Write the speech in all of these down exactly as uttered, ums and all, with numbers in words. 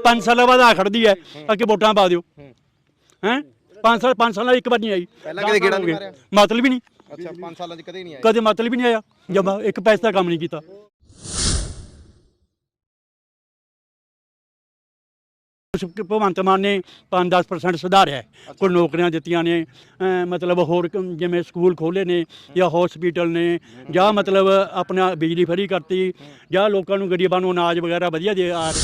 पाँच साल बाद आ खड़दी है ताकि वोटां पा दिओ हैं पाँच साल पाँच साल एक बार नहीं आई ਪਹਿਲਾਂ ਕਦੇ ਗੇੜਾ ਨਹੀਂ ਮਾਰਿਆ मतलब ही नहीं ਅੱਛਾ ਪੰਜ ਸਾਲਾਂ 'ਚ ਕਦੇ ਨਹੀਂ ਆਇਆ कदे मतलब ही नहीं आया जब एक पैसे का काम नहीं किया ਭਗਵੰਤ ਮਾਨ ਨੇ ਪੰਜ ਦਸ ਪਰਸੈਂਟ ਸੁਧਾਰਿਆ ਹੈ ਕੋਈ ਨੌਕਰੀਆਂ ਦਿੱਤੀਆਂ ਨੇ ਮਤਲਬ ਹੋਰ ਜਿਵੇਂ ਸਕੂਲ ਖੋਲ੍ਹੇ ਨੇ ਜਾਂ ਹਸਪੀਟਲ ਨੇ ਜਾਂ ਮਤਲਬ ਆਪਣਾ ਬਿਜਲੀ ਫਰੀ ਕਰਤੀ ਜਾਂ ਲੋਕਾਂ ਨੂੰ ਗਰੀਬਾਂ ਨੂੰ ਅਨਾਜ ਵਗੈਰਾ ਵਧੀਆ ਦੇ ਆ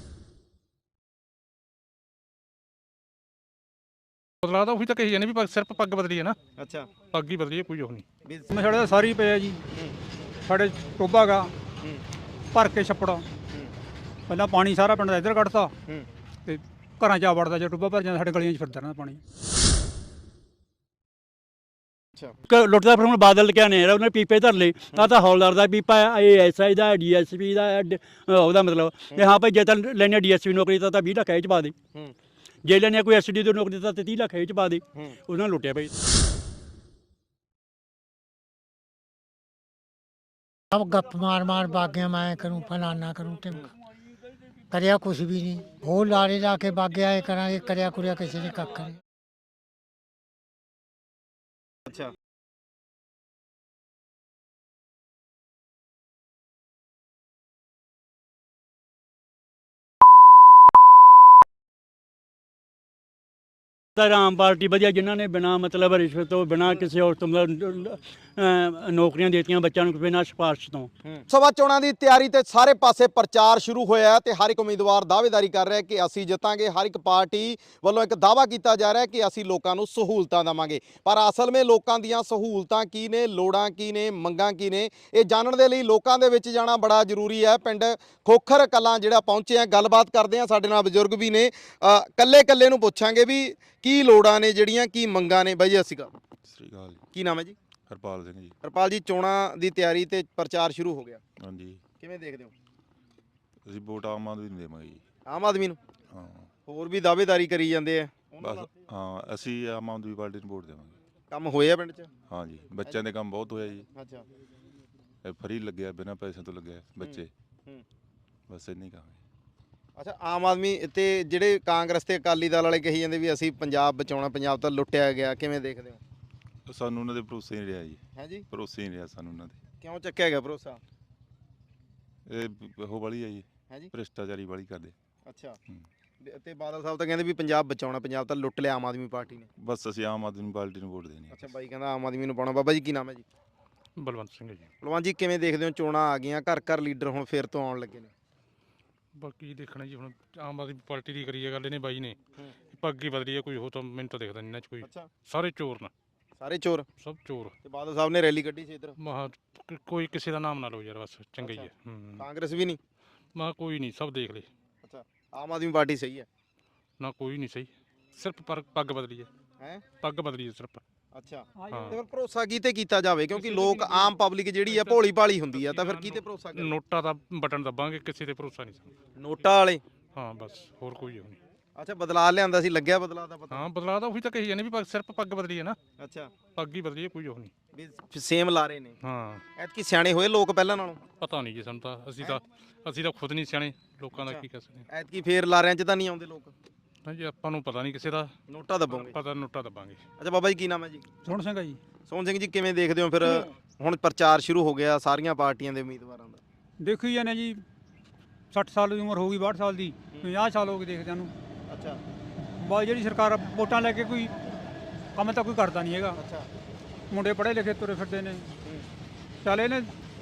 ਬਦਲਾਅ ਤਾਂ ਉਹੀ ਤਾਂ ਕਹੀ ਜਾਂਦੇ ਵੀ ਸਿਰਫ ਪੱਗ ਬਦਲੀ ਹੈ ਨਾ ਅੱਛਾ ਪੱਗ ਹੀ ਬਦਲੀ ਹੈ ਕੋਈ ਉਹ ਨਹੀਂ ਸਾਡੇ ਤਾਂ ਸਾਰੀ ਪਏ ਆ ਜੀ ਸਾਡੇ ਟੋਬਾ ਗਾ ਭਰ ਕੇ ਛੱਪੜਾ ਪਹਿਲਾਂ ਪਾਣੀ ਸਾਰਾ ਪਿੰਡ ਦਾ ਇੱਧਰ ਕੱਢਤਾ ਤੇ ਘਰਾਂ 'ਚ ਆ ਵੜਦਾ ਜੇ ਟੋਬਾ ਭਰ ਜਾਂਦਾ ਸਾਡੇ ਗਲੀਆਂ 'ਚ ਫਿਰਦਾ ਰਹਿੰਦਾ ਪਾਣੀ ਅੱਛਾ ਲੁੱਟਦਾ ਫਿਰ ਹੁਣ ਬਾਦਲ ਕਿਆ ਨੇ ਉਹਨੇ ਪੀਪੇ ਧਰ ਲਏ ਆ ਤਾਂ ਹੌਲਦਾਰ ਦਾ ਪੀਪਾ ਇਹ ਐਸ ਆਈ ਦਾ ਡੀ ਐਸ ਪੀ ਦਾ ਉਹਦਾ ਮਤਲਬ ਤੇ ਹਾਂ ਭਾਈ ਜੇ ਤਾਂ ਲੈਣੇ ਡੀ ਐਸ ਪੀ ਨੌਕਰੀ ਤਾਂ ਵੀਹ ਲੱਖ ਇਹ 'ਚ ਪਾ ਦੇ ਜੇ ਲੈਣੇ ਕੋਈ ਐਸ ਡੀ ਦੀ ਨੌਕਰੀ ਤਾਂ ਤੀਹ ਲੱਖ ਇਹ 'ਚ ਪਾ ਦੇ ਉਹਨਾਂ ਨੇ ਲੁੱਟਿਆ ਭਾਈ अब गप मार मार भाग्य मैं करूँ फलाना करूँ टिमका करिया कुछ भी नहीं वो लारे जाके भाग्य आए करा करिया कुरिया किसी ने कख करे ਅੱਛਾ ਆਮ ਪਾਰਟੀ ਵਧੀਆ ਜਿਨ੍ਹਾਂ ਨੇ ਬਿਨਾ ਮਤਲਬ ਰਿਸ਼ਵਤ ਤੋਂ ਬਿਨਾ ਕਿਸੇ ਹੋਰ ਤੋਂ ਨੌਕਰੀਆਂ ਦਿੱਤੀਆਂ ਬੱਚਿਆਂ ਨੂੰ ਬਿਨਾਂ ਸਿਫਾਰਿਸ਼ ਤੋਂ ਸਭਾ ਚੋਣਾਂ ਦੀ ਤਿਆਰੀ ਤੇ ਸਾਰੇ ਪਾਸੇ ਪ੍ਰਚਾਰ ਸ਼ੁਰੂ ਹੋਇਆ ਹੈ ਤੇ ਹਰ ਇੱਕ ਉਮੀਦਵਾਰ ਦਾਅਵੇਦਾਰੀ ਕਰ ਰਿਹਾ ਕਿ ਅਸੀਂ ਜਿੱਤਾਂਗੇ ਹਰ ਇੱਕ ਪਾਰਟੀ ਵੱਲੋਂ ਇੱਕ ਦਾਅਵਾ ਕੀਤਾ ਜਾ ਰਿਹਾ ਕਿ ਅਸੀਂ ਲੋਕਾਂ ਨੂੰ ਸਹੂਲਤਾਂ ਦੇਵਾਂਗੇ ਪਰ ਅਸਲ ਵਿੱਚ ਲੋਕਾਂ ਦੀਆਂ ਸਹੂਲਤਾਂ ਕੀ ਨੇ ਲੋੜਾਂ ਕੀ ਨੇ ਮੰਗਾਂ ਕੀ ਨੇ ਇਹ ਜਾਣਨ ਦੇ ਲਈ ਲੋਕਾਂ ਦੇ ਵਿੱਚ ਜਾਣਾ ਬੜਾ ਜ਼ਰੂਰੀ ਹੈ ਪਿੰਡ ਖੋਖਰ ਕਲਾਂ ਜਿਹੜਾ ਪਹੁੰਚੇ ਆ ਗੱਲਬਾਤ ਕਰਦੇ ਆ ਸਾਡੇ ਨਾਲ ਬਜ਼ੁਰਗ ਵੀ ਨੇ ਕੱਲੇ ਕੱਲੇ ਨੂੰ ਪੁੱਛਾਂਗੇ ਵੀ ਕੀ ਲੋੜਾਂ ਨੇ ਜਿਹੜੀਆਂ ਕੀ ਮੰਗਾਂ ਨੇ ਬਾਈ ਜੀ ਅਸੀਂ ਗੱਲ ਸ੍ਰੀ ਅਕਾਲ ਜੀ ਕੀ ਨਾਮ ਹੈ ਜੀ ਹਰਪਾਲ ਸਿੰਘ ਜੀ ਹਰਪਾਲ ਜੀ ਚੋਣਾਂ ਦੀ ਤਿਆਰੀ ਤੇ ਪ੍ਰਚਾਰ ਸ਼ੁਰੂ ਹੋ ਗਿਆ ਹਾਂਜੀ ਕਿਵੇਂ ਦੇਖਦੇ ਹੋ ਅਸੀਂ ਵੋਟ ਆਮ ਆਦਮੀ ਨੂੰ ਦੇਵਾਂਗੇ ਜੀ ਆਮ ਆਦਮੀ ਨੂੰ ਹਾਂ ਹੋਰ ਵੀ ਦਾਅਵੇਦਾਰੀ ਕਰੀ ਜਾਂਦੇ ਆ ਬਸ ਹਾਂ ਅਸੀਂ ਆਮ ਆਦਮੀ ਪਾਰਟੀ ਨੂੰ ਵੋਟ ਦੇਵਾਂਗੇ ਕੰਮ ਹੋਇਆ ਪਿੰਡ 'ਚ ਹਾਂ ਜੀ ਬੱਚਿਆਂ ਦੇ ਕੰਮ ਬਹੁਤ ਹੋਇਆ ਜੀ ਅੱਛਾ ਇਹ ਫਰੀ ਲੱਗਿਆ ਬਿਨਾਂ ਪੈਸੇ ਤੋਂ ਲੱਗਿਆ ਬੱਚੇ ਹੂੰ ਬਸ ਇੰਨੀ ਕਹਾਂਗੇ ਅੱਛਾ ਆਮ ਆਦਮੀ ਤੇ ਜਿਹੜੇ ਕਾਂਗਰਸ ਤੇ ਅਕਾਲੀ ਦਲ ਵਾਲੇ ਕਹੀ ਜਾਂਦੇ ਵੀ ਅਸੀਂ ਪੰਜਾਬ ਬਚਾਉਣਾ ਪੰਜਾਬ ਤਾਂ ਲੁੱਟਿਆ ਗਿਆ ਕਿਵੇਂ ਦੇਖਦੇ ਹੋ ਸਾਨੂੰ ਉਹਨਾਂ ਦੇ ਭਰੋਸੇ ਨਹੀਂ ਰਿਹਾ ਜੀ ਹੈ ਜੀ ਭਰੋਸੇ ਨਹੀਂ ਰਿਹਾ ਸਾਨੂੰ ਉਹਨਾਂ ਦੇ ਕਿਉਂ ਚੱਕਿਆ ਗਿਆ ਭਰੋਸਾ ਇਹ ਉਹ ਵਾਲੀ ਹੈ ਜੀ ਹੈ ਜੀ ਭ੍ਰਿਸ਼ਟਾਚਾਰੀ ਵਾਲੀ ਕਰਦੇ ਅੱਛਾ ਤੇ ਬਾਦਲ ਸਾਹਿਬ ਤਾਂ ਕਹਿੰਦੇ ਵੀ ਪੰਜਾਬ ਬਚਾਉਣਾ ਪੰਜਾਬ ਤਾਂ ਲੁੱਟ ਲਿਆ ਆਮ ਆਦਮੀ ਪਾਰਟੀ ਨੇ ਬਸ ਅਸੀਂ ਆਮ ਆਦਮੀ ਪਾਰਟੀ ਨੂੰ ਵੋਟ ਦੇਣੀ ਅੱਛਾ ਬਾਈ ਕਹਿੰਦਾ ਆਮ ਆਦਮੀ ਨੂੰ ਪਾਉਣਾ ਬਾਬਾ ਜੀ ਕੀ ਨਾਮ ਹੈ ਜੀ ਬਲਵੰਤ ਸਿੰਘ ਜੀ ਬਲਵੰਤ ਜੀ ਕਿਵੇਂ ਦੇਖਦੇ ਹੋ ਚੋਣਾਂ ਆ ਗਈਆਂ ਘਰ ਘਰ ਲੀਡਰ ਹੁਣ ਫਿਰ ਤੋਂ ਆਉਣ ਲੱਗੇ ਨੇ ਬਾਕੀ ਦੇਖਣਾ ਜੀ ਹੁਣ ਆਮ ਆਦਮੀ ਪਾਰਟੀ ਦੀ ਕਰੀਏ ਗੱਲ ਇਹਨੇ ਬਾਈ ਨੇ ਪੱਗ ਹੀ ਬਦਲੀ ਹੈ ਕੋਈ ਹੋ ਤਾਂ ਮੈਨੂੰ ਤਾਂ ਦਿਖਦਾ ਨਹੀਂ ਇਹਨਾਂ 'ਚ ਕੋਈ ਅੱਛਾ ਸਾਰੇ ਚੋਰ ਨੇ ਸਾਰੇ ਚੋਰ ਸਭ ਚੋਰ ਤੇ ਬਾਦਲ ਸਾਹਿਬ ਨੇ ਰੈਲੀ ਕੱਢੀ ਸੀ ਇੱਧਰ ਮਹਾ ਕੋਈ ਕਿਸੇ ਦਾ ਨਾਮ ਨਾ ਲਓ ਯਾਰ ਬਸ ਚੰਗਾ ਹੀ ਹੈ ਹੂੰ ਕਾਂਗਰਸ ਵੀ ਨਹੀਂ ਮਾ ਕੋਈ ਨਹੀਂ ਸਭ ਦੇਖ ਲਏ ਅੱਛਾ ਆਮ ਆਦਮੀ ਪਾਰਟੀ ਸਹੀ ਹੈ ਨਾ ਕੋਈ ਨਹੀਂ ਸਹੀ ਸਿਰਫ ਪਰ ਪੱਗ ਬਦਲੀ ਹੈ ਹੈ ਪੱਗ ਬਦਲੀ ਹੈ ਸਿਰਫ ਅੱਛਾ ਹਾਂ ਤੇ ਫਿਰ ਭਰੋਸਾ ਕੀਤੇ ਕੀਤਾ ਜਾਵੇ ਕਿਉਂਕਿ ਲੋਕ ਆਮ ਪਬਲਿਕ ਜਿਹੜੀ ਆ ਭੋਲੀ ਭਾਲੀ ਹੁੰਦੀ ਆ ਤਾਂ ਫਿਰ ਕੀਤੇ ਭਰੋਸਾ ਕਰੇ ਨੋਟਾਂ ਦਾ ਬਟਨ ਦੱਬਾਂਗੇ ਕਿਸੇ ਤੇ ਭਰੋਸਾ ਨਹੀਂ ਸਾਨੂੰ ਨੋਟਾਂ ਵਾਲੇ ਹਾਂ ਬਸ ਹੋਰ ਕੋਈ ਉਹ ਨਹੀਂ ਅੱਛਾ ਬਦਲਾ ਲਿਆਂਦਾ ਸੀ ਲੱਗਿਆ ਬਦਲਾ ਦਾ ਪਤਾ ਹਾਂ ਬਦਲਾਅ ਤਾਂ ਉਹੀ ਤਾਂ ਕਹੀ ਜਾਂਦੇ ਵੀ ਸਿਰਫ ਪੱਗ ਬਦਲੀ ਹੈ ਨਾ ਅੱਛਾ ਪੱਗ ਹੀ ਬਦਲੀ ਹੈ ਕੋਈ ਉਹ ਨਹੀਂ ਵੀ ਸੇਮ ਲਾ ਰਹੇ ਨੇ ਹਾਂ ਐਤਕੀ ਸਿਆਣੇ ਹੋਏ ਲੋਕ ਪਹਿਲਾਂ ਨਾਲੋਂ ਪਤਾ ਨਹੀਂ ਜੀ ਸਾਨੂੰ ਤਾਂ ਅਸੀਂ ਤਾਂ ਅਸੀਂ ਤਾਂ ਖੁਦ ਨਹੀਂ ਸਿਆਣੇ ਲੋਕਾਂ ਦਾ ਕੀ ਕਹਿ ਸਕਦੇ ਐਤਕੀ ਫੇਰ ਲਾਰਿਆਂ 'ਚ ਤਾਂ ਨਹੀਂ ਆਉਂਦੇ ਲੋਕ ਹਾਂ ਜੀ ਆਪਾਂ ਨੂੰ ਪਤਾ ਨਹੀਂ ਕਿਸੇ ਦਾ ਨੋਟਾ ਦੱਬੋਗੇ ਪਤਾ ਨੋਟਾ ਦੱਬਾਂਗੇ ਅੱਛਾ ਬਾਬਾ ਜੀ ਕੀ ਨਾਮ ਹੈ ਜੀ ਸੋਹਣ ਸਿੰਘ ਆ ਜੀ ਸੋਹਣ ਸਿੰਘ ਜੀ ਕਿਵੇਂ ਦੇਖਦੇ ਹੋ ਫਿਰ ਹੁਣ ਪ੍ਰਚਾਰ ਸ਼ੁਰੂ ਹੋ ਗਿਆ ਸਾਰੀਆਂ ਪਾਰਟੀਆਂ ਦੇ ਉਮੀਦਵਾਰਾਂ ਦਾ ਦੇਖੀ ਜਾਂਦੇ ਜੀ ਸੱਠ ਸਾਲ ਦੀ ਉਮਰ ਹੋ ਗਈ ਬਾਹਠ ਸਾਲ ਦੀ ਪੰਜਾਹ ਸਾਲ ਹੋ ਗਏ ਦੇਖਦਿਆਂ ਨੂੰ ਅੱਛਾ ਬਾਈ ਜਿਹੜੀ ਸਰਕਾਰ ਵੋਟਾਂ ਲੈ ਕੇ ਕੋਈ ਕੰਮ ਤਾਂ ਕੋਈ ਕਰਦਾ ਨਹੀਂ ਹੈਗਾ ਅੱਛਾ ਮੁੰਡੇ ਪੜ੍ਹੇ ਲਿਖੇ ਤੁਰੇ ਫਿਰਦੇ ਨੇ ਚੱਲ ਇਹਨੇ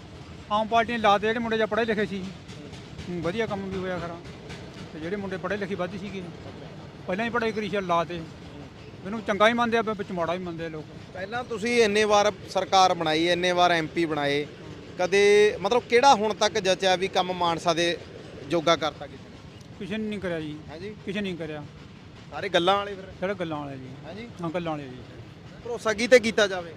ਆਮ ਪਾਰਟੀ ਨੇ ਲਾ ਦੇ ਜਿਹੜੇ ਮੁੰਡੇ ਜਾਂ ਪੜ੍ਹੇ ਲਿਖੇ ਸੀ ਵਧੀਆ ਕੰਮ ਵੀ ਹੋਇਆ ਖਰਾ ਤੇ ਜਿਹੜੇ ਮੁੰਡੇ ਪੜ੍ਹੇ ਲਿਖੇ ਵੱਧ ਸੀਗੇ ਪਹਿਲਾਂ ਹੀ ਪੜ੍ਹਾਈ ਕਰੀ ਚੱਲ ਲਾ ਤੇ ਮੈਨੂੰ ਚੰਗਾ ਹੀ ਮੰਨਦੇ ਆ ਵਿੱਚ ਮਾੜਾ ਹੀ ਮੰਨਦੇ ਲੋਕ ਪਹਿਲਾਂ ਤੁਸੀਂ ਇੰਨੇ ਵਾਰ ਸਰਕਾਰ ਬਣਾਈ ਇੰਨੇ ਵਾਰ ਐਮਪੀ ਬਣਾਏ ਕਦੇ ਮਤਲਬ ਕਿਹੜਾ ਹੁਣ ਤੱਕ ਜਚਿਆ ਵੀ ਕੰਮ ਮਾਨਸਾ ਦੇ ਜੋਗਾ ਕਰਤਾ ਕਿਸੇ ਨੇ ਕਿਸੇ ਨੇ ਨਹੀਂ ਕਰਿਆ ਜੀ ਹੈ ਜੀ ਕਿਸੇ ਨਹੀਂ ਕਰਿਆ ਸਾਰੇ ਗੱਲਾਂ ਵਾਲੇ ਫਿਰ ਜਿਹੜੇ ਗੱਲਾਂ ਵਾਲੇ ਜੀ ਹੈ ਜੀ ਹਾਂ ਗੱਲਾਂ ਵਾਲੇ ਜੀ ਭਰੋਸਾ ਕੀਤੇ ਕੀਤਾ ਜਾਵੇ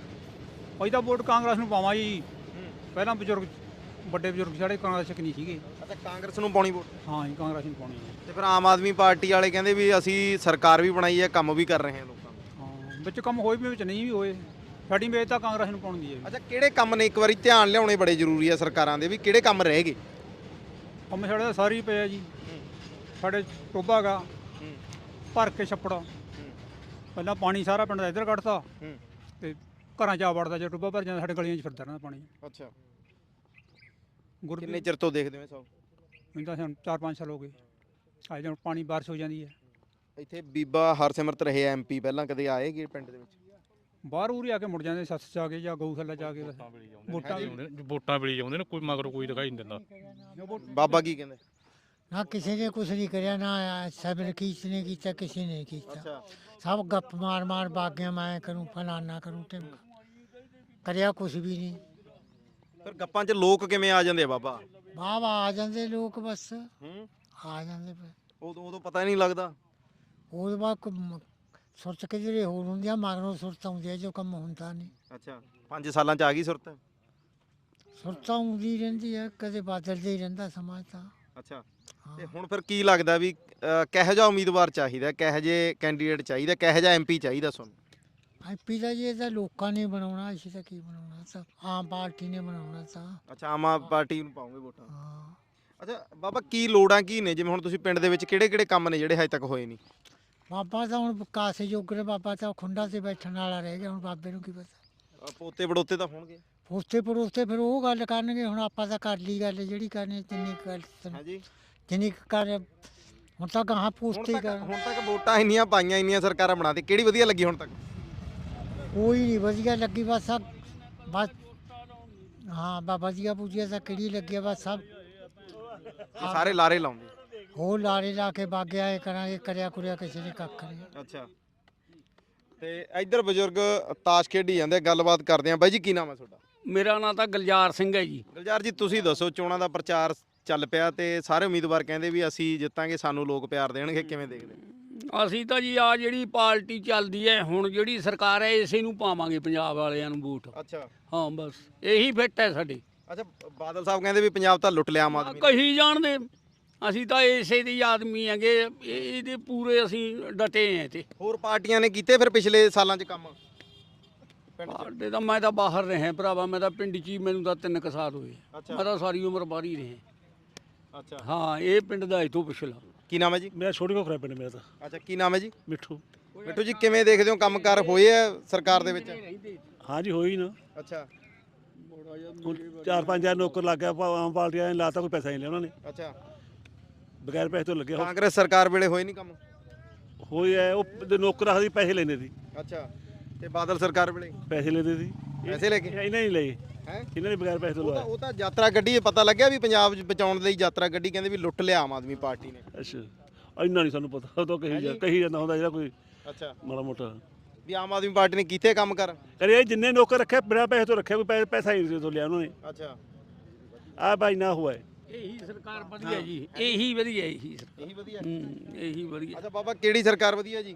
ਅਸੀਂ ਤਾਂ ਵੋਟ ਕਾਂਗਰਸ ਨੂੰ ਪਾਵਾਂ ਜੀ ਪਹਿਲਾਂ ਬਜ਼ੁਰਗ ਵੱਡੇ ਬਜ਼ੁਰਗ ਸਾਡੇ ਕਾਂਗਰਸ 'ਚ ਨਹੀਂ ਸੀਗੇ ਅੱਛਾ ਕਾਂਗਰਸ ਨੂੰ ਪਾਉਣੀ ਵੋਟ ਹਾਂ ਜੀ ਕਾਂਗਰਸ ਨੂੰ ਪਾਉਣੀ ਹੈ ਤੇ ਫਿਰ ਆਮ ਆਦਮੀ ਪਾਰਟੀ ਵਾਲੇ ਕਹਿੰਦੇ ਵੀ ਅਸੀਂ ਸਰਕਾਰ ਵੀ ਬਣਾਈ ਹੈ ਕੰਮ ਵੀ ਕਰ ਰਹੇ ਹਾਂ ਲੋਕਾਂ ਦਾ ਹਾਂ ਵਿੱਚ ਕੰਮ ਹੋਏ ਵੀ ਵਿੱਚ ਨਹੀਂ ਵੀ ਹੋਏ ਸਾਡੀ ਮੇਜ ਤਾਂ ਕਾਂਗਰਸ ਨੂੰ ਪਾਉਣ ਦੀ ਹੈ ਅੱਛਾ ਕਿਹੜੇ ਕੰਮ ਨੇ ਇੱਕ ਵਾਰੀ ਧਿਆਨ ਲਿਆਉਣੇ ਬੜੇ ਜ਼ਰੂਰੀ ਆ ਸਰਕਾਰਾਂ ਦੇ ਵੀ ਕਿਹੜੇ ਕੰਮ ਰਹਿ ਗਏ ਕੰਮ ਸਾਡੇ ਤਾਂ ਸਾਰੇ ਹੀ ਪਏ ਆ ਜੀ ਸਾਡੇ ਟੋਬਾ ਗਾ ਭਰ ਕੇ ਛੱਪੜ ਪਹਿਲਾਂ ਪਾਣੀ ਸਾਰਾ ਪਿੰਡ ਦਾ ਇੱਧਰ ਕੱਢਤਾ ਹੂੰ। ਤੇ ਘਰਾਂ 'ਚ ਆ ਵੜਦਾ ਜੇ ਟੋਬਾ ਭਰ ਜਾਂਦਾ ਸਾਡੇ ਗਲੀਆਂ 'ਚ ਫਿਰਦਾ ਰਹਿੰਦਾ ਪਾਣੀ ਅੱਛਾ ਗੁਰ ਕਿੰਨੇ ਚਿਰ ਤੋਂ ਦੇਖਦੇ ਹੋ ਇਹ ਸਭ? ਮੈਨੂੰ ਤਾਂ ਹੁਣ ਚਾਰ ਪੰਜ ਸਾਲ ਹੋ ਗਏ ਆ ਜਦੋਂ ਪਾਣੀ ਬਾਰਿਸ਼ ਹੋ ਜਾਂਦੀ ਹੈ ਇੱਥੇ ਬੀਬਾ ਹਰਸਿਮਰਤ ਰਹੇ ਐਮਪੀ ਪਹਿਲਾਂ ਕਦੇ ਆਏਗੇ ਪਿੰਡ ਦੇ ਵਿੱਚ? ਬਾਹਰ ਉਰੀ ਆ ਕੇ ਮੁੜ ਜਾਂਦੇ ਸੱਸ ਜਾ ਕੇ ਜਾਂ ਗਊਸ਼ਾਲਾ ਜਾ ਕੇ ਬਸ ਵੋਟਾਂ ਵੀ ਵੋਟਾਂ ਵੇਲੇ ਆਉਂਦੇ ਨੇ ਕੋਈ ਮਗਰੋਂ ਕੋਈ ਦਿਖਾਈ ਨਹੀਂ ਦਿੰਦਾ। ਬਾਬਾ ਕੀ ਕਹਿੰਦੇ? ਨਾ ਕਿਸੇ ਨੇ ਕੁਛ ਨਹੀਂ ਕਰਿਆ ਨਾ ਸਬਰ ਕਿਸ ਨੇ ਕੀਤਾ ਕਿਸੇ ਨੇ ਕੀਤਾ ਅੱਛਾ ਸਭ ਗੱਪ ਮਾਰ ਮਾਰ ਬਾਗਿਆ ਮੈਂ ਕਰੂੰ ਫਲਾਨਾ ਕਰੂੰ ਤੇ ਕਰਿਆ ਕੁਛ ਵੀ ਨਹੀਂ। ਫਿਰ ਗੱਪਾਂ 'ਚ ਲੋਕ ਕਿਵੇਂ ਆ ਜਾਂਦੇ ਆ ਬਾਬਾ? ਬਾਬਾ ਆ ਜਾਂਦੇ ਲੋਕ ਬਸ ਹੂੰ ਆ ਜਾਂਦੇ ਪਏ। ਉਦੋਂ ਉਦੋਂ ਪਤਾ ਹੀ ਨਹੀਂ ਲੱਗਦਾ। ਉਹਦੇ ਬਾਅਦ ਕੋਈ ਸੁਰਤ ਕਿ ਜਿਹੜੇ ਹੋਰ ਹੁੰਦੀਆਂ ਮਗਰੋਂ ਸੁਰਤ ਆਉਂਦੀ ਹੈ ਜੋ ਕੰਮ ਹੁੰਦਾ ਨਹੀਂ। ਅੱਛਾ ਪੰਜ ਸਾਲਾਂ 'ਚ ਆ ਗਈ ਸੁਰਤ? ਸੁਰਤ ਆਉਂਦੀ ਰਹਿੰਦੀ ਹੈ ਕਦੇ ਬਦਲਦਾ ਹੀ ਰਹਿੰਦਾ ਸਮਾਜ ਤਾਂ। ਅੱਛਾ ਹਾਂ। ਤੇ ਹੁਣ ਫਿਰ ਕੀ ਲੱਗਦਾ ਵੀ ਅਹ, ਕਿਹੋ ਜਿਹਾ ਉਮੀਦਵਾਰ ਚਾਹੀਦਾ, ਕਿਹੋ ਜਿਹੇ ਕੈਂਡੀਡੇਟ ਚਾਹੀਦਾ, ਕਿਹੋ ਜਿਹਾ ਐਮਪੀ ਚਾਹੀਦਾ ਤੁਹਾਨੂੰ? ਐਮਪੀ ਦਾ ਜੀ ਇਹ ਤਾਂ ਲੋਕਾਂ ਨੇ ਬਣਾਉਣਾ ਅਸੀਂ ਤਾਂ ਕੀ ਬਣਾਉਣਾ ਸਭ ਆਮ ਪਾਰਟੀ ਨੇ ਬਣਾਉਣਾ ਤਾਂ। ਅੱਛਾ ਆਮ ਆਦਮੀ ਪਾਰਟੀ ਨੂੰ ਪਾਉਂਗੇ ਵੋਟਾਂ? ਹਾਂ ਅੱਛਾ ਬਾਬਾ ਕੀ ਲੋੜਾਂ ਕੀ ਨੇ, ਜਿਵੇਂ ਹੁਣ ਤੁਸੀਂ ਪਿੰਡ ਦੇ ਵਿੱਚ ਕਿਹੜੇ ਕਿਹੜੇ ਕੰਮ ਨੇ ਜਿਹੜੇ ਹਜੇ ਤੱਕ ਹੋਏ ਨਹੀਂ? ਬਾਬਾ ਤਾਂ ਹੁਣ ਕਾਸੇ ਜੋਗਰੇ ਬਾਬਾ ਤਾਂ ਖੁੰਡਾ ਤੇ ਬੈਠਣ ਵਾਲਾ ਰਹਿ ਗਿਆ ਹੁਣ ਬਾਬੇ ਨੂੰ ਕੀ ਪਤਾ। ਅਹ, ਪੋਤੇ ਬੜੋਤੇ ਤਾਂ ਹੋਣਗੇ? ਪੋਸਤੇ ਪੜੋਸਤੇ ਫਿਰ ਉਹ ਗੱਲ ਕਰਨਗੇ ਹੁਣ ਆਪਾਂ ਤਾਂ ਕਰ ਲਈ ਗੱਲ ਜਿਹੜੀ ਕਰਨੀ ਜਿੰਨੀ ਕੁ ਗੱਲ ਹਾਂਜੀ ਜਿੰਨੀ ਕੁ ਕਰ ਹੁਣ ਤਾਂ ਗਾਹਾਂ ਹੁਣ ਪੋਸਤੇ ਹੀ ਤੱਕ ਕਰ ਹੁਣ ਤੱਕ ਵੋਟਾਂ ਇੰਨੀਆਂ ਪਾਈਆਂ, ਇੰਨੀਆਂ ਸਰਕਾਰਾਂ ਬਣਾਤੀ, ਕਿਹੜੀ ਵਧੀਆ ਲੱਗੀ ਹੁਣ ਤੱਕ? ਕੋਈ ਨਹੀਂ ਵਧੀਆ ਲੱਗੀ ਬਸ ਸਭ ਬਸ ਹਾਂ ਬਾਬਾ ਜੀਆ ਪੂਜੀਆ ਤਾਂ ਕਿਹੜੀ ਲੱਗਿਆ ਬਸ ਸਭ ਇਹ ਸਾਰੇ ਲਾਰੇ ਲਾਉਂਦੇ? ਹੋਰ ਲਾਰੇ ਲਾ ਕੇ ਬਾਗਿਆ ਇਹ ਕਰਾਂਗੇ ਕਰਿਆ ਕੁਰਿਆ ਕਿਸੇ ਨੇ ਕੱਖ ਨਹੀਂ। ਅੱਛਾ ਤੇ ਇੱਧਰ ਬਜ਼ੁਰਗ ਤਾਸ਼ ਖੇਡੀ ਜਾਂਦੇ, ਗੱਲਬਾਤ ਕਰਦੇ ਆ। ਬਾਈ ਜੀ ਕੀ ਨਾਮ ਹੈ ਤੁਹਾਡਾ? ਮੇਰਾ ਨਾਂ ਤਾਂ ਗੁਲਜ਼ਾਰ ਸਿੰਘ ਹੈ ਜੀ। ਗੁਲਜ਼ਾਰ ਜੀ ਤੁਸੀਂ ਦੱਸੋ, ਚੋਣਾਂ ਦਾ ਪ੍ਰਚਾਰ ਚੱਲ ਪਿਆ ਤੇ ਸਾਰੇ ਉਮੀਦਵਾਰ ਕਹਿੰਦੇ ਵੀ ਅਸੀਂ ਜਿੱਤਾਂਗੇ, ਸਾਨੂੰ ਲੋਕ ਪਿਆਰ ਦੇਣਗੇ, ਕਿਵੇਂ ਦੇਖਦੇ? ਅਸੀਂ ਤਾਂ ਜੀ ਆ ਜਿਹੜੀ ਪਾਰਟੀ ਚੱਲਦੀ ਹੈ ਹੁਣ ਜਿਹੜੀ ਸਰਕਾਰ ਹੈ ਇਸੇ ਨੂੰ ਪਾਵਾਂਗੇ ਪੰਜਾਬ ਵਾਲਿਆਂ ਨੂੰ ਵੋਟ। ਅੱਛਾ ਹਾਂ ਬਸ ਇਹੀ ਫਿੱਟ ਹੈ ਸਾਡੇ। ਅੱਛਾ ਬਾਦਲ ਸਾਹਿਬ ਕਹਿੰਦੇ ਵੀ ਪੰਜਾਬ ਤਾਂ ਲੁੱਟ ਲਿਆ ਆਮ ਆਦਮੀ ਨੇ। ਕਹੀ ਜਾਣਦੇ ਅਸੀਂ ਤਾਂ ਇਸੇ ਦੀ ਆਦਮੀ ਹੈਗੇ, ਇਹ- ਇਹਦੇ ਪੂਰੇ ਅਸੀਂ ਡਟੇ ਹਾਂ ਤੇ। ਹੋਰ ਪਾਰਟੀਆਂ ਨੇ ਕੀਤੇ ਫਿਰ ਪਿਛਲੇ ਸਾਲਾਂ 'ਚ ਕੰਮ ਪਿੰਡ 'ਚ? ਸਾਡੇ ਤਾਂ ਮੈਂ ਤਾਂ ਬਾਹਰ ਰਿਹਾ ਭਰਾਵਾ, ਮੈਂ ਤਾਂ ਪਿੰਡ 'ਚ ਹੀ, ਮੈਨੂੰ ਤਾਂ ਤਿੰਨ ਕੁ ਸਾਲ ਹੋਏ। ਅੱਛਾ। ਮੈਂ ਤਾਂ ਸਾਰੀ ਉਮਰ ਬਾਹਰ ਹੀ ਰਿਹਾ। ਅੱਛਾ ਹਾਂ ਇਹ ਪਿੰਡ ਦਾ ਇਤੋਂ ਪਿਛਲਾ। ਕੀ ਨਾਮ ਹੈ ਜੀ? ਮੇਰਾ ਛੋਟੀ ਕੋਖਰਾ ਪਿੰਡ ਮੇਰਾ ਤਾਂ ਅੱਛਾ ਕੀ ਨਾਮ ਹੈ ਜੀ? ਮਿੱਠੂ। ਮਿੱਠੂ ਜੀ ਕਿਵੇਂ ਦੇਖਦੇ ਹੋ ਕੰਮਕਾਰ ਹੋਏ ਆ ਸਰਕਾਰ ਦੇ ਵਿੱਚ? ਹਾਂਜੀ ਹੋਈ ਨਾ ਅੱਛਾ ਹੁਣ ਚਾਰ ਪੰਜ ਹਜ਼ਾਰ ਨੌਕਰ ਲੱਗ ਗਿਆ ਪਾ- ਆਮ ਪਾਰਟੀਆਂ ਨੇ ਲਾਤਾ, ਕੋਈ ਪੈਸਾ ਨਹੀਂ ਲਿਆ ਉਹਨਾਂ ਨੇ, ਅੱਛਾ ਬਗੈਰ ਪੈਸੇ ਤੋਂ ਲੱਗਿਆ। ਕਾਂਗਰਸ ਸਰਕਾਰ ਵੇਲੇ ਹੋਏ ਨਹੀਂ ਕੰਮ? ਹੋਈ ਹੈ ਉਹ ਪ- ਨੌਕਰ ਆਖਦੀ ਪੈਸੇ ਲੈਂਦੇ ਸੀ, ਅੱਛਾ ਤੇ ਬਾਦਲ ਸਰਕਾਰ ਵੇਲੇ ਪੈਸੇ ਲੈਂਦੇ ਸੀ। ਪੈਸੇ ਲੈ ਕੇ? ਇਹਨਾਂ ਨੇ ਨਹੀਂ ਲਏ, ਹੈ ਇਹਨਾਂ ਨੇ ਬਗੈਰ ਪੈਸੇ ਤੋਂ ਉਹ ਤਾਂ ਲਵਾਇਆ। ਉਹ ਤਾਂ ਯਾਤਰਾ ਗੱਡੀ ਪਤਾ ਲੱਗਿਆ ਵੀ ਪੰਜਾਬ 'ਚ ਬਚਾਉਣ ਲਈ ਯਾਤਰਾ ਗੱਡੀ ਕਹਿੰਦੇ ਵੀ ਲੁੱਟ ਲਿਆ ਆਮ ਆਦਮੀ ਪਾਰਟੀ ਨੇ। ਅੱਛਾ ਇੰਨਾ ਨਹੀਂ ਸਾਨੂੰ ਪਤਾ, ਉਹ ਤਾਂ ਕਹੀ ਜਾ ਕਹੀ ਜਾਂਦਾ ਹੁੰਦਾ ਜਿਹੜਾ ਕੋਈ ਅੱਛਾ ਮਾੜਾ ਮੋਟਾ ਵੀ ਆਮ ਆਦਮੀ ਪਾਰਟੀ ਨੇ ਕੀਤੇ ਕੰਮ ਕਰ? ਕਰੇ। ਜਿੰਨੇ ਨੌਕਰ ਰੱਖੇ ਬਿਨਾਂ ਪੈਸੇ ਤੋਂ ਰੱਖਿਆ, ਕੋਈ ਪੈ- ਪੈਸਾ ਹੀ ਨਹੀਂ ਤੋਂ ਲਿਆ ਉਹਨਾਂ ਨੇ। ਅੱਛਾ ਆ ਭਾਈ ਨਾ ਹੋਇਆ ਹੈ। ਇਹੀ ਸਰਕਾਰ ਵਧੀਆ ਜੀ, ਇਹੀ ਵਧੀਆ, ਇਹੀ ਸਰਕਾਰ। ਇਹੀ ਵਧੀਆ। ਹੂੰ ਇਹੀ ਵਧੀਆ ਅੱਛਾ ਬਾਬਾ ਕਿਹੜੀ ਸਰਕਾਰ ਵਧੀਆ ਜੀ?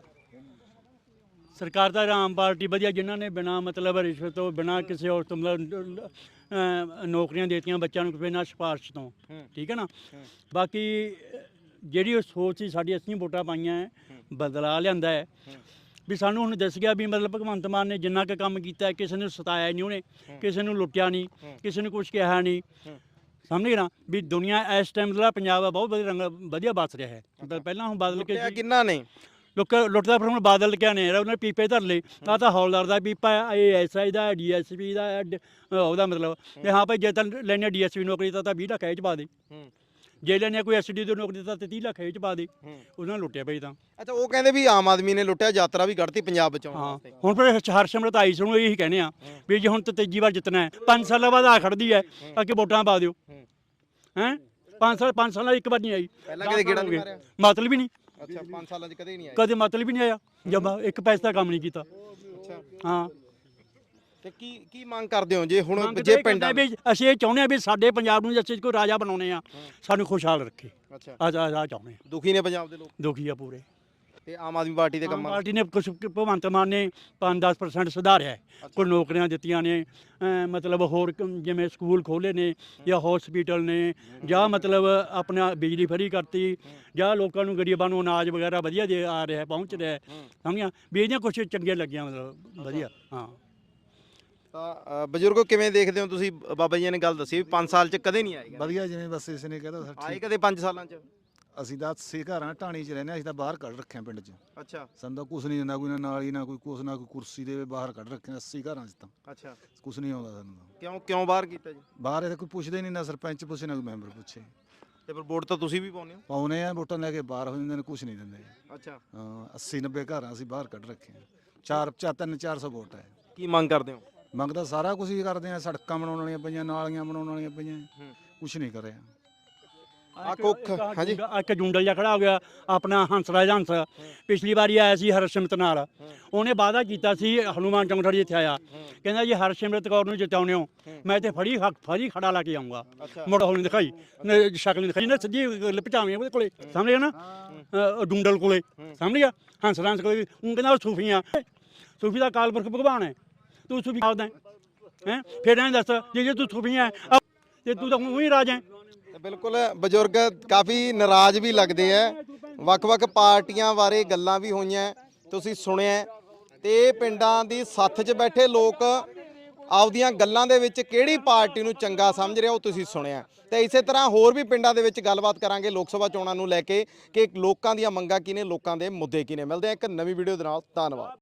ਸਰਕਾਰ ਤਾਂ ਆਮ ਪਾਰਟੀ ਵਧੀਆ, ਜਿਨ੍ਹਾਂ ਨੇ ਬਿਨਾ ਮਤਲਬ ਰਿਸ਼ਵਤ ਤੋਂ, ਬਿਨਾ ਕਿਸੇ ਹੋਰ ਤੋਂ ਮਤਲਬ ਅਹ, ਨੌਕਰੀਆਂ ਦੇਤੀਆਂ ਬੱਚਿਆਂ ਨੂੰ ਬਿਨਾਂ ਸਿਫਾਰਿਸ਼ ਤੋਂ। ਠੀਕ ਹੈ ਨਾ। ਬਾਕੀ ਜਿਹੜੀ ਉਹ ਸੋਚ ਸੀ ਸਾਡੀ, ਅਸੀਂ ਵੋਟਾਂ ਪਾਈਆਂ ਹੈ, ਬਦਲਾ ਲਿਆਂਦਾ ਹੈ ਵੀ ਸਾਨੂੰ ਹੁਣ ਦੱਸ ਗਿਆ ਵੀ ਮਤਲਬ ਭਗਵੰਤ ਮਾਨ ਨੇ ਜਿੰਨਾ ਕੁ ਕੰਮ ਕੀਤਾ, ਕਿਸੇ ਨੂੰ ਸਤਾਇਆ ਨਹੀਂ ਉਹਨੇ, ਕਿਸੇ ਨੂੰ ਲੁੱਟਿਆ ਨਹੀਂ, ਕਿਸੇ ਨੂੰ ਕੁਝ ਕਿਹਾ ਨਹੀਂ। ਸਮਝ ਗਏ ਨਾ ਵੀ ਦੁਨੀਆ ਇਸ ਟਾਈਮ ਦਾ ਪੰਜਾਬ ਆ ਬਹੁਤ ਵਧੀਆ ਰੰਗ ਵਧੀਆ ਬਸ ਰਿਹਾ ਹੈ। ਪਹਿਲਾਂ ਹੁਣ ਬਦਲ ਕੇ ਲੁੱਟਿਆ ਕਿੰਨਾ ਨੇ? ਲੋਕ ਲੁੱਟਦਾ ਫਿਰ ਹੁਣ ਬਾਦਲ ਕਿਆ ਨੇ ਉਹਨੇ ਪੀਪੇ ਧਰ ਲਏ। ਆ ਤਾਂ ਹੌਲਦਾਰ ਦਾ ਪੀਪਾ ਇਹ ਐਸ ਆਈ ਦਾ, ਡੀ ਐਸ ਪੀ ਦਾ, ਡ- ਉਹਦਾ ਮਤਲਬ ਵੀ ਹਾਂ ਭਾਈ ਜੇ ਤਾਂ ਲੈਣੇ ਡੀ ਐਸ ਪੀ ਨੌਕਰੀ ਤਾਂ ਤਾਂ ਵੀਹ ਲੱਖ ਇਹ 'ਚ ਪਾ ਦੇ, ਜੇ ਲੈਣੇ ਕੋਈ ਐਸ ਡੀ ਦੀ ਨੌਕਰੀ ਤਾਂ ਤੀਹ ਲੱਖ ਇਹ 'ਚ ਪਾ ਦੇ। ਉਹਨਾਂ ਨੇ ਲੁੱਟਿਆ ਭਾਈ ਤਾਂ। ਅੱਛਾ ਉਹ ਕਹਿੰਦੇ ਵੀ ਆਮ ਆਦਮੀ ਨੇ ਲੁੱਟਿਆ, ਯਾਤਰਾ ਵੀ ਕੱਢਤੀ ਪੰਜਾਬ ਬਚਾਉਣ ਹਾਂ ਵਾਸਤੇ। ਹੁਣ ਫਿਰ ਹਰਸਿਮਰਤ ਆਈ ਸੀ, ਉਹਨੂੰ ਇਹੀ ਕਹਿੰਦੇ ਆ ਵੀ ਜੇ ਹੁਣ ਤਾਂ ਤੀਜੀ ਵਾਰ ਜਿੱਤਣਾ ਹੈ, ਪੰਜ ਸਾਲਾਂ ਬਾਅਦ ਆ ਖੜਦੀ ਹੈ ਤਾਂ ਕਿ ਵੋਟਾਂ ਪਾ ਦਿਓ। ਹੈਂ ਪੰਜ ਸਾਲ ਪੰਜ ਸਾਲਾਂ ਇੱਕ ਵਾਰ ਨਹੀਂ ਆਈ, ਪਹਿਲਾਂ ਕਦੇ ਗੇੜਾ ਨਹੀਂ ਮਾਰਿਆ? ਮਤਲਬ ਹੀ ਨਹੀਂ, ਅੱਛਾ ਪੰਜ ਸਾਲਾਂ 'ਚ ਕਦੇ ਨਹੀਂ ਆਏ? ਕਦੇ ਮਤਲਬ ਹੀ ਨਹੀਂ ਆਇਆ, ਜਮਾ ਇੱਕ ਪੈਸੇ ਦਾ ਕੰਮ ਨਹੀਂ ਕੀਤਾ। ਅੱਛਾ ਹਾਂ ਤੇ ਕੀ ਕੀ ਮੰਗ ਕਰਦੇ ਹੋ ਜੇ ਹੁਣ ਮੰਗ ਜੇ ਤਾਂ ਇਹ ਪਿੰਡਾਂ ਕਰਦੇ ਵੀ ਅਸੀਂ ਇਹ ਚਾਹੁੰਦੇ ਹਾਂ ਵੀ ਸਾਡੇ ਪੰਜਾਬ ਨੂੰ ਅਸੀਂ ਕੋਈ ਰਾਜਾ ਬਣਾਉਣੇ ਆ, ਸਾਨੂੰ ਖੁਸ਼ਹਾਲ ਰੱਖੇ। ਅੱਛਾ ਆ ਆ ਆ ਚਾਹੁੰਦੇ ਹਾਂ, ਦੁਖੀ ਨੇ ਪੰਜਾਬ ਦੇ ਲੋਕ ਦੁਖੀ ਆ ਪੂਰੇ। ਤੇ ਆਮ ਆਦਮੀ ਪਾਰਟੀ ਦੇ ਆਮ ਕੰਮਾਂ ਪਾਰਟੀ ਨੇ ਕੁਛ ਭਗਵੰਤ ਮਾਨ ਨੇ ਪੰਜ ਦਸ ਪਰਸੈਂਟ ਸੁਧਾਰਿਆ ਹੈ, ਕੋਈ ਨੌਕਰੀਆਂ ਦਿੱਤੀਆਂ ਨੇ, ਅਮ ਮਤਲਬ ਹੋਰ ਕ- ਜਿਵੇਂ ਸਕੂਲ ਖੋਲ੍ਹੇ ਨੇ ਜਾਂ ਹਸਪੀਟਲ ਨੇ, ਜਾਂ ਮਤਲਬ ਆਪਣਾ ਬਿਜਲੀ ਫਰੀ ਕਰਤੀ, ਜਾਂ ਲੋਕਾਂ ਨੂੰ ਗਰੀਬਾਂ ਨੂੰ ਅਨਾਜ ਵਗੈਰਾ ਵਧੀਆ ਦੇ ਆ ਰਿਹਾ ਪਹੁੰਚ ਰਿਹਾ ਹੈ। ਸਮਝਿਆ ਵੀ ਇਹਦੀਆਂ ਕੁਛ ਚੰਗੀਆਂ ਲੱਗੀਆਂ ਮਤਲਬ ਵਧੀਆ। ਹਾਂ ਤਾਂ ਅ, ਬਜ਼ੁਰਗੋ ਕਿਵੇਂ ਦੇਖਦੇ ਹੋ ਤੁਸੀਂ? ਬਾਬਾ ਜੀ ਨੇ ਗੱਲ ਦੱਸੀ ਵੀ ਪੰਜ ਸਾਲ 'ਚ ਕਦੇ ਨਹੀਂ ਆਏਗਾ। ਵਧੀਆ ਜਿਵੇਂ ਬਸ ਇਸ ਨੇ ਕਹਿਤਾ ਆਏ ਕਦੇ ਪੰਜ ਸਾਲਾਂ 'ਚ? ਅਸੀਂ ਤਾਂ ਅੱਸੀ ਘਰਾਂ ਢਾਣੀ 'ਚ ਰਹਿੰਦੇ ਹਾਂ, ਅਸੀਂ ਤਾਂ ਬਾਹਰ ਕੱਢ ਰੱਖਿਆ ਪਿੰਡ 'ਚ। ਅੱਛਾ ਸਾਨੂੰ ਤਾਂ ਕੁਛ ਨਹੀਂ ਦਿੰਦਾ, ਕੋਈ ਨਾ ਨਾਲੀ ਨਾ ਕੋਈ ਕੁਛ ਨਾ ਕੋਈ ਕੁਰਸੀ ਦੇ ਬਾਹਰ ਕੱਢ ਰੱਖਿਆ ਅੱਸੀ ਘਰਾਂ 'ਚ ਤਾਂ ਅੱਛਾ ਕੁਛ ਨਹੀਂ ਆਉਂਦਾ ਸਾਨੂੰ ਤਾਂ। ਕਿਉਂ ਕਿਉਂ ਬਾਹਰ ਕੀਤਾ ਜੀ? ਬਾਹਰ ਇਹ ਕੋਈ ਪੁੱਛਦੇ ਨਹੀਂ, ਨਾ ਸਰਪੰਚ ਪੁੱਛੇ ਨਾ ਕੋਈ ਮੈਂਬਰ ਪੁੱਛੇ। ਤੇ ਫਿਰ ਵੋਟ ਤਾਂ ਤੁਸੀਂ ਵੀ ਪਾਉਂਦੇ ਹੋ। ਪਾਉਨੇ ਆ ਵੋਟਾਂ ਲੈ ਕੇ ਬਾਹਰ ਹੋ ਜਾਂਦੇ ਨੇ, ਕੁਛ ਨਹੀਂ ਦਿੰਦੇ। ਅੱਛਾ ਹਾਂ ਅੱਸੀ ਨੱਬੇ ਘਰਾਂ ਅਸੀਂ ਬਾਹਰ ਕੱਢ ਰੱਖੇ ਆ। ਚਾਰ ਚਾਰ ਤਿੰਨ ਚਾਰ ਸੌ ਵੋਟ ਹੈ। ਕੀ ਮੰਗ ਕਰਦੇ ਹੋ? ਮੰਗਦਾ ਸਾਰਾ ਕੁਝ ਹੀ ਕਰਦੇ ਆ, ਸੜਕਾਂ ਬਣਾਉਣ ਵਾਲੀਆਂ ਪਈਆਂ, ਨਾਲੀਆਂ ਬਣਾਉਣ ਵਾਲੀਆਂ ਪਈਆਂ, ਹੂੰ। ਕੁਛ ਨਹੀਂ ਕਰਿਆ। ਆ ਕੁੱਖ ਹਾਂਜੀ ਇੱਕ ਜੁੰਡਲ ਜਿਹਾ ਖੜਾ ਹੋ ਗਿਆ ਆਪਣਾ ਹੰਸਰਾਜ ਹੰਸ, ਪਿਛਲੀ ਵਾਰੀ ਆਇਆ ਸੀ ਹਰਸਿਮਰਤ ਨਾਲ, ਉਹਨੇ ਵਾਅਦਾ ਕੀਤਾ ਸੀ ਹਨੂਮਾਨ ਚੌਂਕ ਜਿੱਥੇ ਆਇਆ, ਕਹਿੰਦਾ ਜੀ ਹਰਸਿਮਰਤ ਕੌਰ ਨੂੰ ਜਿਤਾਉਂਦੇ ਹੋ ਮੈਂ ਤੇ ਫੜੀ ਫੜੀ ਖੜਾ ਲਾ ਕੇ ਆਉਂਗਾ। ਮੁੜ ਹੋਣੀ ਦਿਖਾਈ ਨੇ ਸ਼ਕਲ ਨਹੀਂ ਦਿਖਾਈ ਨਾ, ਸਿੱਧੀ ਲਪਟਾਵੇਂ ਉਹਦੇ ਕੋਲੇ ਸਾਹਮਣੇ ਆ ਨਾ ਅਹ ਡੁੰਡਲ ਕੋਲੇ ਸਾਹਮਣੇ ਆ ਹੰਸਰਾਜ ਕੋਲੇ, ਉਹ ਕਹਿੰਦਾ ਉਹ ਸੂਫੀ ਆ, ਸੂਫੀ ਦਾ ਕਾਲਪੁਰਖ ਭਗਵਾਨ ਹੈ, ਤੂੰ ਸੂਫੀ ਆਉਂਦਾ ਹੈ ਫਿਰ ਐਂ ਦੱਸ ਜੇ ਜੇ ਤੂੰ ਸੂਫੀ ਹੈ ਤੇ ਤੂੰ ਤਾਂ ਉਹੀ ਰਾਜ ਹੈ। ਬਿਲਕੁਲ ਬਜ਼ੁਰਗ ਕਾਫੀ ਨਾਰਾਜ਼ ਵੀ ਲੱਗਦੇ ਆ। ਵੱਖ-ਵੱਖ ਪਾਰਟੀਆਂ ਬਾਰੇ ਗੱਲਾਂ ਵੀ ਹੋਈਆਂ, ਤੁਸੀਂ ਸੁਣਿਆ, ਤੇ ਪਿੰਡਾਂ ਦੀ ਸੱਥ 'ਚ ਬੈਠੇ ਲੋਕ ਆਪਦੀਆਂ ਗੱਲਾਂ ਦੇ ਵਿੱਚ ਕਿਹੜੀ ਪਾਰਟੀ ਨੂੰ ਚੰਗਾ ਸਮਝ ਰਿਹਾ ਉਹ ਤੁਸੀਂ ਸੁਣਿਆ। ਤੇ ਇਸੇ ਤਰ੍ਹਾਂ ਹੋਰ ਵੀ ਪਿੰਡਾਂ ਦੇ ਵਿੱਚ ਗੱਲਬਾਤ ਕਰਾਂਗੇ ਲੋਕ ਸਭਾ ਚੋਣਾਂ ਨੂੰ ਲੈ ਕੇ ਕਿ ਲੋਕਾਂ ਦੀਆਂ ਮੰਗਾਂ ਕੀ ਨੇ, ਲੋਕਾਂ ਦੇ ਮੁੱਦੇ ਕੀ ਨੇ। ਮਿਲਦੇ ਆ ਇੱਕ ਨਵੀਂ ਵੀਡੀਓ ਦੇ ਨਾਲ, ਧੰਨਵਾਦ।